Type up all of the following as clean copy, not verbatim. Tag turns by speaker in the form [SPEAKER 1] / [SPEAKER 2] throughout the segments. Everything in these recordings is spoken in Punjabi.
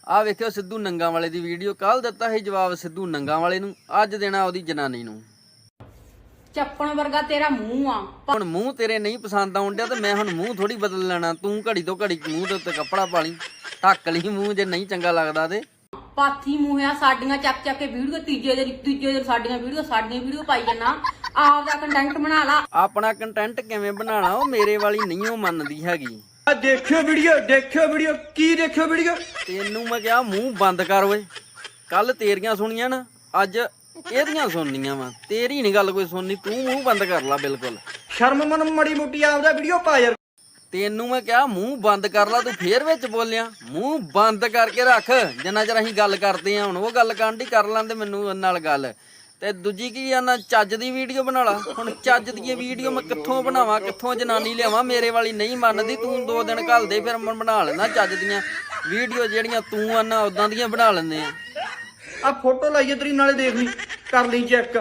[SPEAKER 1] ਆ ਵੇਖਿਓ ਸਿੱਧੂ ਨੰਗਾ ਵਾਲੇ ਦੀ ਵੀਡੀਓ। ਕੱਲ ਦਿੱਤਾ ਸੀ ਜਵਾਬ ਸਿੱਧੂ ਨੰਗਾ ਵਾਲੇ ਨੂੰ, ਅੱਜ ਦੇਣਾ ਉਹਦੀ ਜਨਾਨੀ ਨੂੰ।
[SPEAKER 2] ਚੱਪਣ ਵਰਗਾ ਤੇਰਾ ਮੂੰਹ ਆ।
[SPEAKER 1] ਹੁਣ ਮੂੰਹ ਤੇਰੇ ਨਹੀਂ ਪਸੰਦ ਆਉਣ ਡਿਆ ਤੇ ਮੈਂ ਹੁਣ ਮੂੰਹ ਥੋੜੀ ਬਦਲ ਲੈਣਾ। ਤੂੰ ਘੜੀ ਤੋਂ ਘੜੀ ਮੂੰਹ ਦੇ ਉੱਤੇ ਕੱਪੜਾ ਪਾ ਲਈ, ਢੱਕ ਲਈ ਮੂੰਹ ਜੇ ਨਹੀਂ ਚੰਗਾ ਲੱਗਦਾ ਤੇ।
[SPEAKER 2] ਪਾਥੀ ਮੂੰਹ ਆ। ਸਾਡੀਆਂ ਚੱਕ ਚੱਕ ਕੇ ਵੀਡੀਓ ਤੀਜੇ ਦਿਨ ਸਾਡੀਆਂ ਵੀਡੀਓ ਪਾਈ ਜਾਣਾ। ਆਪਦਾ ਕੰਟੈਂਟ ਬਣਾ ਲਾ।
[SPEAKER 1] ਆਪਣਾ ਕੰਟੈਂਟ ਕਿਵੇਂ ਬਣਾਉਣਾ, ਉਹ ਮੇਰੇ ਵਾਲੀ ਨਹੀਂ ਉਹ ਮੰਨਦੀ ਹੈਗੀ।
[SPEAKER 3] ਦੇਖਿਓ ਵੀਡੀਓ ਕੀ ਦੇਖਿਓ ਵੀਡੀਓ।
[SPEAKER 1] ਤੈਨੂੰ ਮੈਂ ਕਿਹਾ ਮੂੰਹ ਬੰਦ ਕਰ ਓਏ। ਕੱਲ ਤੇਰੀਆਂ ਸੁਣੀਆਂ ਨਾ, ਅੱਜ ਇਹਦੀਆਂ ਸੁਣਨੀਆਂ ਵਾ। ਤੇਰੀ ਨਹੀਂ ਗੱਲ ਕੋਈ ਸੁਣਨੀ, ਤੂੰ ਮੂੰਹ ਬੰਦ ਕਰ ਲਾ ਬਿਲਕੁਲ।
[SPEAKER 3] ਸ਼ਰਮ ਮਨ ਮੜੀ ਮੋਟੀ ਆਪਦਾ ਵੀਡੀਓ ਪਾ ਯਾਰ।
[SPEAKER 1] ਤੈਨੂੰ ਮੈਂ ਕਿਹਾ ਮੂੰਹ ਬੰਦ ਕਰ ਲਾ, ਤੂੰ ਫੇਰ ਵਿੱਚ ਬੋਲਿਆ। ਮੂੰਹ ਬੰਦ ਕਰਕੇ ਰੱਖ ਜਿੰਨਾ ਚਿਰ ਅਸੀਂ ਗੱਲ ਕਰਦੇ ਆ। ਹੁਣ ਉਹ ਗੱਲ ਕਾਂਢੀ ਕਰ ਲੈਂਦੇ ਮੈਨੂੰ ਨਾਲ ਗੱਲ। ਤੇ ਦੂਜੀ ਕੀ ਆ ਨਾ, ਚੱਜ ਦੀ ਵੀਡੀਓ ਬਣਾ ਲਾ। ਹੁਣ ਚੱਜ ਦੀ ਵੀਡੀਓ ਮੈਂ ਕਿੱਥੋਂ ਬਣਾਵਾਂ, ਕਿੱਥੋਂ ਜਨਾਨੀ ਲਿਆਵਾਂ? ਮੇਰੇ ਵਾਲੀ ਨਹੀਂ ਮੰਨਦੀ। ਤੂੰ 2 ਦਿਨ ਘੱਲ ਦੇ, ਫਿਰ ਮੈਂ ਬਣਾ ਲੈਂਦਾ ਚੱਜ ਦੀਆਂ ਵੀਡੀਓ। ਜਿਹੜੀਆਂ ਤੂੰ ਆਨਾ ਉਦਾਂ ਦੀਆਂ ਬਣਾ ਲੈਂਦੇ ਆ।
[SPEAKER 3] ਆ ਫੋਟੋ ਲਾਈਏ ਤੇਰੀ, ਨਾਲੇ ਦੇਖ ਲਈ, ਕਰ ਲਈ ਚੈੱਕ।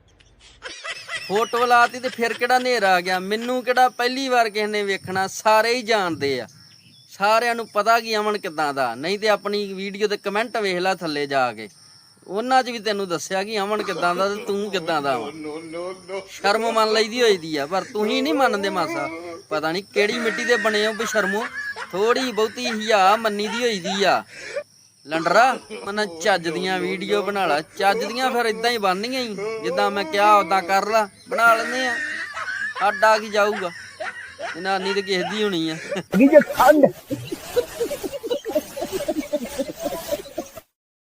[SPEAKER 1] ਫੋਟੋ ਲਾਤੀ ਤੇ ਫਿਰ ਕਿਹੜਾ ਹਨੇਰਾ ਆ ਗਿਆ? ਮੈਨੂੰ ਕਿਹੜਾ ਪਹਿਲੀ ਵਾਰ ਕਿਸੇ ਨੇ ਵੇਖਣਾ, ਸਾਰੇ ਹੀ ਜਾਣਦੇ ਆ। ਸਾਰਿਆਂ ਨੂੰ ਪਤਾ ਕੀ ਅਮਨ ਕਿੱਦਾਂ ਦਾ। ਨਹੀਂ ਤੇ ਆਪਣੀ ਵੀਡੀਓ ਤੇ ਕਮੈਂਟ ਵੇਖ ਲੈ ਥੱਲੇ ਜਾ ਕੇ, ਉਹਨਾਂ 'ਚ ਵੀ ਤੈਨੂੰ ਦੱਸਿਆ ਕਿ ਅਮਨ ਕਿੱਦਾਂ ਦਾ ਤੇ ਤੂੰ ਕਿੱਦਾਂ ਦਾ ਵਾ। ਸ਼ਰਮ ਮੰਨ ਲਈਦੀ ਹੋਈ ਦੀ ਆ, ਪਰ ਤੁਸੀਂ ਨਹੀਂ ਮੰਨਦੇ ਮਾਸਾ। ਪਤਾ ਨਹੀਂ ਕਿਹੜੀ ਮਿੱਟੀ ਦੇ ਬਣੇ ਹੋ ਬਸ਼ਰਮੋ। ਥੋੜੀ ਬਹੁਤੀ ਹਿਆ ਮੰਨੀ ਦੀ ਹੋਈ ਦੀ ਆ। ਲੰਡਰਾ ਮਨ ਚੱਜ ਦੀਆਂ ਵੀਡੀਓ ਬਣਾ ਲਾ। ਚੱਜ ਦੀਆਂ ਫਿਰ ਇਦਾਂ ਹੀ ਬਣਨੀਆਂ ਹੀ, ਜਿੱਦਾਂ ਮੈਂ ਕਿਹਾ ਉਦਾਂ ਕਰ ਲਾ। ਬਣਾ ਲੈਂਦੇ ਆ, ਸਾਡਾ ਕੀ ਜਾਊਗਾ। ਜਨਾਨੀ ਤੇ ਕਿਸੇ ਦੀ ਹੋਣੀ ਆ।